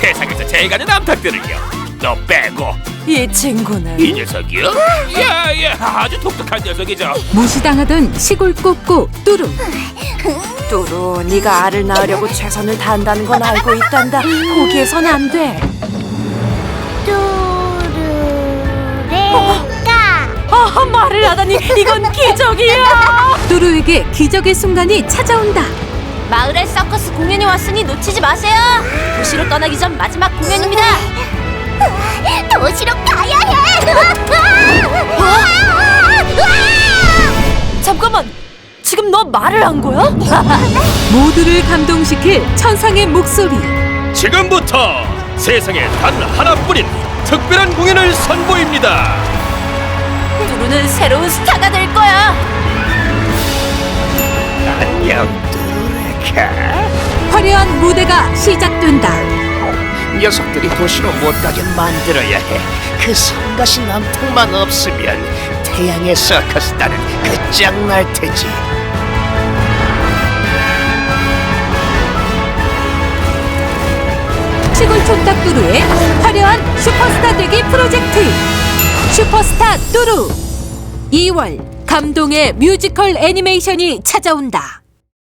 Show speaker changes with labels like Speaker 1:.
Speaker 1: 세상에서 제일 가는 암탉들을요. 너 빼고.
Speaker 2: 이 친구는
Speaker 1: 이 녀석이요? 예, 아주 독특한 녀석이죠.
Speaker 3: 무시당하던 시골 꼬꼬 뚜루.
Speaker 2: 뚜루, 네가 알을 낳으려고 최선을 다한다는 건 알고 있단다. 포기해선 안 돼. 말을 하다니 이건 기적이야.
Speaker 3: 뚜루에게 기적의 순간이 찾아온다.
Speaker 4: 마을에 서커스 공연이 왔으니 놓치지 마세요. 도시로 떠나기 전 마지막 공연입니다. 도시로 가야 해.
Speaker 2: 잠깐만, 지금 너 말을 한 거야?
Speaker 3: 모두를 감동시킬 천상의 목소리.
Speaker 1: 지금부터 세상에 단 하나뿐인 특별한 공연을 선보입니다.
Speaker 4: 뚜루는 새로운 스타가 될 거야.
Speaker 1: 안녕, 뚜루레카.
Speaker 3: 화려한 무대가 시작된다.
Speaker 1: 녀석들이 도시로 못 가게 만들어야 해. 그 성가시 남통만 없으면 태양의 서커스단은 끝장날 테지.
Speaker 3: 시골 촌딱 뚜루의 화려한 슈퍼스타 되기 프로젝트 슈퍼스타 뚜루. 2월 감동의 뮤지컬 애니메이션이 찾아온다.